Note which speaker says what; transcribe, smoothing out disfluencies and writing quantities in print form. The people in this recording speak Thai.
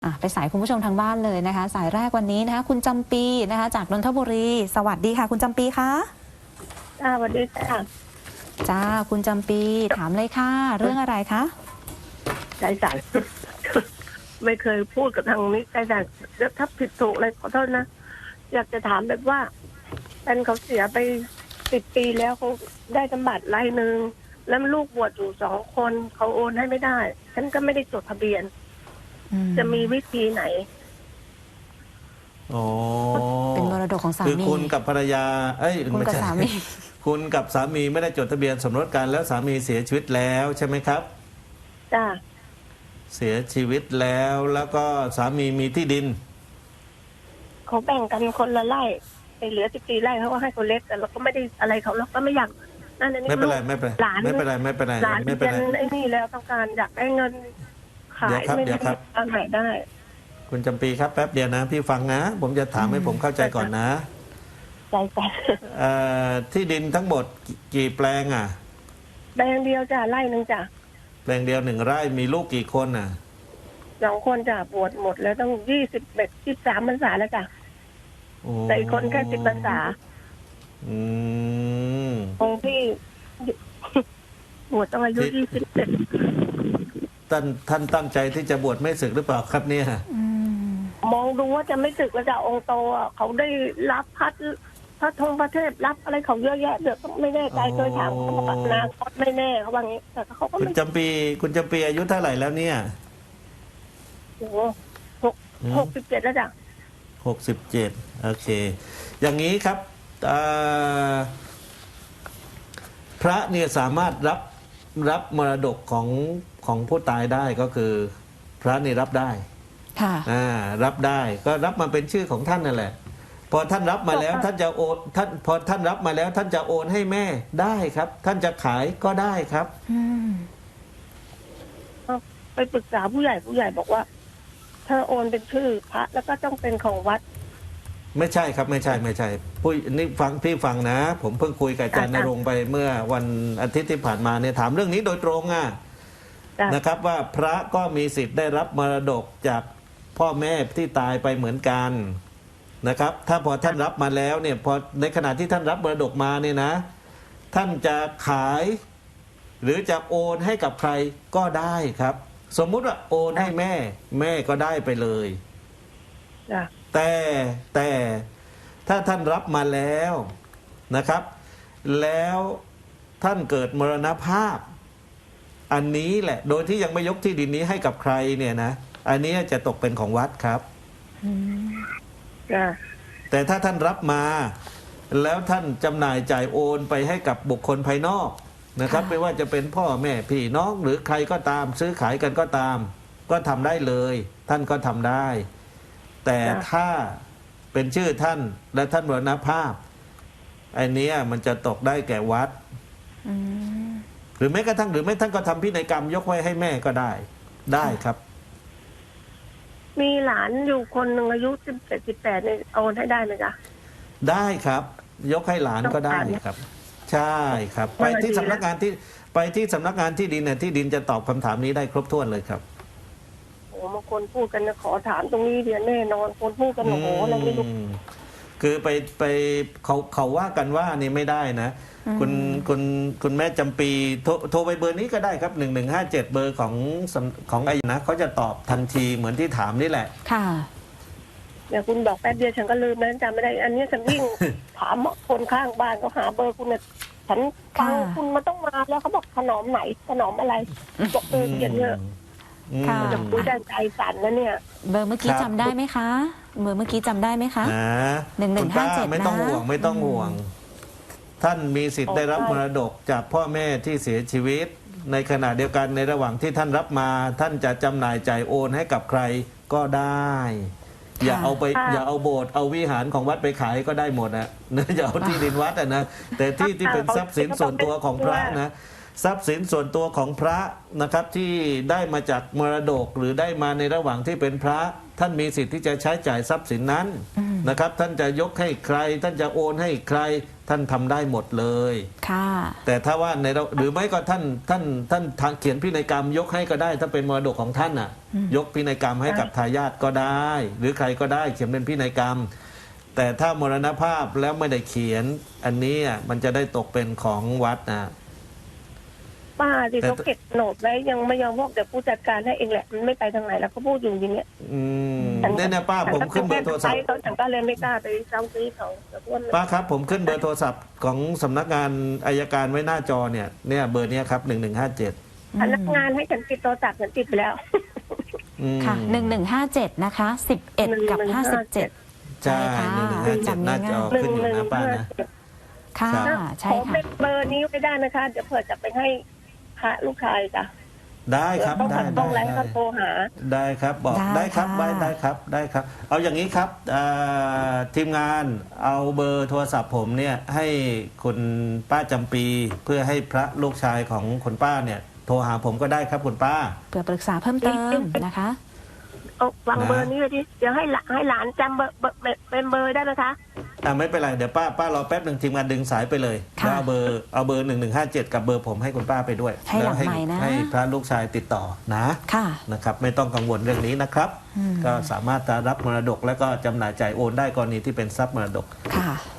Speaker 1: ไปสายคุณผู้ชมทางบ้านเลยนะคะสายแรกวันนี้นะคะคุณจำปีนะคะจากนนทบุรีสวัสดีค่ะคุณจำปีคะ
Speaker 2: สวัสดีค่ะ
Speaker 1: จ้าคุณจำปีถามเลยค่ะเรื่องอะไรคะ
Speaker 2: ใจสั่น ไม่เคยพูดกับทางนี้ใจสั่นถ้าผิดถูกอะไรขอโทษนะอยากจะถามแบบว่าเป็นเขาเสียไป10 ปีแล้วเขาได้สมบัติรายหนึ่งแล้วลูกบวชอยู่2 คนเขาโอนให้ไม่ได้ฉันก็ไม่ได้จดทะเบียนจะมีวิธีไหน
Speaker 3: อ๋อ
Speaker 1: เป็นมรดกของสามี
Speaker 3: คือคุณกับภรรยา
Speaker 1: คุณกับสามี
Speaker 3: คุณกับสามีไม่ได้จดทะเบียนสมรสกันแล้วสามีเสียชีวิตแล้วใช่ไหมครับ
Speaker 2: จ้า
Speaker 3: เสียชีวิตแล้วก็สามีมีที่ดิน
Speaker 2: เขาแบ่งกันคนละไร่ไปเหลือ14 ไร่เขาก็ให้คนเล็กแต่เราก็ไม่ได้อะไรเขาเราก็ไม่อยากนั่นนี่
Speaker 3: ไม่เป็นไรไม่เป็นไร
Speaker 2: หลาน
Speaker 3: ไม่เป็นไรไม่เป็นไร
Speaker 2: หลาน
Speaker 3: ไม่เป็นไร
Speaker 2: ไอ้นี่แล้วต้องการอยากได้เงินขายไม่ได้ทางไหนได้
Speaker 3: คุณจำปีครับแป๊บเดียวนะพี่ฟังนะผมจะถามให้ผมเข้าใจก่อนนะ
Speaker 2: ใจ
Speaker 3: ที่ดินทั้งหมดกี่แปลงอ่ะ
Speaker 2: แปลงเดียวจ้ะไร่นึงจ้ะ
Speaker 3: แปลงเดียว1 ไร่มีลูกกี่คนอ่ะ
Speaker 2: 2 คนจ้ะบวชหมดแล้วต้อง23 พรรษาแล้วจ้ะแต่อีกคนแค่10 พรรษาองค์ที่บวชต้องอายุ
Speaker 3: ท่านตั้งใจที่จะบวชไม่สึกหรือเปล่าครับเนี่ย
Speaker 2: มองดูว่าจะไม่สึกแล้วจ้ะองค์โตเขาได้รับพระธงพระเทพรับอะไรเขาเยอะแยะเดี๋ยวไม่แน่ใจเคยถามเขาบอกนะไม่แน่เขาว่างี้แต่เขาก็
Speaker 3: คุณจำปีอายุเท่าไหร่แล้วเนี่ย
Speaker 2: โอ้67แล้วจ้ะ
Speaker 3: 67โอเคอย่างนี้ครับพระเนี่ยสามารถรับมรดกของผู้ตายได้ก็คือพระนี่รับได้
Speaker 1: ค่ะ
Speaker 3: รับได้ก็รับมาเป็นชื่อของท่านนั่นแหละพอท่านรับมาแล้วท่านจะโอนพอท่านรับมาแล้วท่านจะโอนให้แม่ได้ครับท่านจะขายก็ได้ครับ
Speaker 2: ไปปรึกษาผู้ใหญ่บอกว่าถ้าโอนเป็นชื่อพระแล้วก็ต้องเป็นของวัด
Speaker 3: ไม่ใช่ครับไม่ใช่นี่พี่ฟังนะผมเพิ่งคุยกับอาจารย์ณรงค์ไปเมื่อวันอาทิตย์ที่ผ่านมาเนี่ยถามเรื่องนี้โดยตรงนะครับว่าพระก็มีสิทธิ์ได้รับมรดกจากพ่อแม่ที่ตายไปเหมือนกันนะครับถ้าพอท่านรับมาแล้วเนี่ยพอในขณะที่ท่านรับมรดกมาเนี่ยนะท่านจะขายหรือจะโอนให้กับใครก็ได้ครับสมมุติว่าโอนให้แม่ก็ได้ไปเลยแต่ถ้าท่านรับมาแล้วนะครับแล้วท่านเกิดมรณภาพอันนี้แหละโดยที่ยังไม่ยกที่ดินนี้ให้กับใครเนี่ยนะอันนี้จะตกเป็นของวัดครับแต่ถ้าท่านรับมาแล้วท่านจำหน่ายจ่ายโอนไปให้กับบุคคลภายนอกนะครับไม่ว่าจะเป็นพ่อแม่พี่น้องหรือใครก็ตามซื้อขายกันก็ตามก็ทำได้เลยท่านก็ทำได้แต่ถ้าเป็นชื่อท่านและท่านมรณภาพไอ้นี้มันจะตกได้แก่วัดหรือแม้กระทั่งหรือไม่ท่านก็ทำพินัยกรรมยกไว้ให้แม่ก็ได้ครับ
Speaker 2: มีหลานอยู่คนหนึ่งอายุ17-18เนี่ยโอนให้ได้ไหมจ๊ะ
Speaker 3: ได้ครับยกให้หลานก็ได้ครับใช่ครับไปที่สำนักงานที่ดินเนี่ยที่ดินจะตอบคำถามนี้ได้ครบถ้วนเลยครับ
Speaker 2: บางคนพูดกันนะขอถามตรงนี้เดียวแน่นอนคนพูดกันโอ้โหอะไรไม่รู้
Speaker 3: คือไปเขาว่ากันว่านี่ไม่ได้นะคุณแม่จำปีโทรไปเบอร์นี้ก็ได้ครับ1157เบอร์ของไอ้นะเขาจะตอบทันทีเหมือนที่ถามนี่แหละ
Speaker 1: ค่ะ
Speaker 2: เดี๋ยวคุณบอกแป๊บเดียวฉันก็ลืมแล้วจำไม่ได้อันนี้ฉันวิ่งถามคนข้างบ้านเขาหาเบอร์คุณเนี่ยฉันฟังคุณมันต้องมาแล้วเขาบอกขนมไหนขนมอะไรบอกเขียนเยอะจะพูดใจสั่นแล้วเนี่ย
Speaker 1: เบอร์เมื่อกี้จำได้ไหมคะเบอร์เมื่อกี้จำได้ไหมคะ
Speaker 3: 1157ไม่ต้องห่วงท่านมีสิทธิ์ได้รับมรดกจากพ่อแม่ที่เสียชีวิตในขณะเดียวกันในระหว่างที่ท่านรับมาท่านจะจำหน่ายจ่ายโอนให้กับใครก็ได้อย่าเอาโบสถ์เอาวิหารของวัดไปขายก็ได้หมดนะอย่าเอาที่ดินวัดนะแต่ที่เป็นทรัพย์สินส่วนตัวของพระนะทรัพย์สินส่วนตัวของพระนะครับที่ได้มาจากมรดกหรือได้มาในระหว่างที่เป็นพระท่านมีสิทธิ์ที่จะใช้จ่ายทรัพย์สินนั้นนะครับ ท่านจะยกให้ใคร ท่านจะโอนให้ใคร ท่านทำได้หมดเลย
Speaker 1: ค่ะ
Speaker 3: แต่ถ้าว่าในเราหรือไม่ก็ท่านเขียนพินัยกรรมยกให้ก็ได้ ถ้าเป็นมรดกของท่านน่ะ ยกพินัยกรรมให้กับทายาทก็ได้ หรือใครก็ได้เขียนเป็นพินัยกรรม แต่ถ้ามรณภาพแล้วไม่ได้เขียน อันนี้มันจะได้ตกเป็นของวัดนะ
Speaker 2: ป้าที่เขาเก็บโหนดไว้ยังไม่ยอมบอกเดี๋ยวผู้จัดการให้เองแหละมันไม่ไปทางไหนแล้วเขาพูดอยู่อย่างเงี้ย
Speaker 3: เนี่ยป้าผมขึ้นเบอร์โทรศัพท์
Speaker 2: เขาฉันก็เลยไม่กล้าไปซ้ำซื้อเขาแต่ว่า
Speaker 3: ป้าครับผมขึ้นเบอร์โทรศัพท์ของสำนักงานอัยการไว้หน้าจอเนี่ยเบอร์เนี้ยครับ1157
Speaker 2: พนักงานให้ฉันติดโทรศัพท์ฉันติดไปแล้ว
Speaker 1: ค่ะ1157นะคะ11กับ57
Speaker 3: ใช่
Speaker 1: ค่ะ
Speaker 3: 1157หน้าจอขึ้นอยู่นะป้านะ
Speaker 1: ค่ะใช่
Speaker 2: ขอ
Speaker 1: ค่ะ
Speaker 2: เป็นเบอร์นี้ไม่ได้นะคะ เดี๋ยวเผื่อจะไปให้พระลูกชายจ้ะ
Speaker 3: ได้ครับ
Speaker 2: ต้อง
Speaker 3: ได้
Speaker 2: ต้องไลน์เขาโทรหา
Speaker 3: ได้ครับบอกได้ครับได้ครับ เอาอย่างนี้ครับทีมงานเอาเบอร์โทรศัพท์ผมเนี่ยให้คุณป้าจำปีเพื่อให้พระลูกชายของคุณป้าเนี่ยโทรหาผมก็ได้ครับคุณป้า
Speaker 1: เพื่อปรึกษาเพิ่มเติมนะคะ
Speaker 2: เอาวางเบอร์นี้เลยดิเดี๋ยวให้หลานจำเบอร์เป็นเบอร์ได้ไหมคะ
Speaker 3: ไม่เป็นไรเดี๋ยวป้ารอแป๊บหนึ่งทีมงานดึงสายไปเลย
Speaker 1: ค่ะ
Speaker 3: แล้วเอาเบอร์1157กับเบอร์ผมให้คุณป้าไปด้วย
Speaker 1: ให้หลัง
Speaker 3: แล้ว
Speaker 1: ไมค์นะ
Speaker 3: ให้พระลูกชายติดต่อนะ
Speaker 1: ค่ะ
Speaker 3: นะครับไม่ต้องกังวลเรื่องนี้นะครับ ก็สามารถจะรับมรดกและก็จำหน่ายจ่ายโอนได้กรณีที่เป็นทรัพย์มรดก
Speaker 1: ค่ะ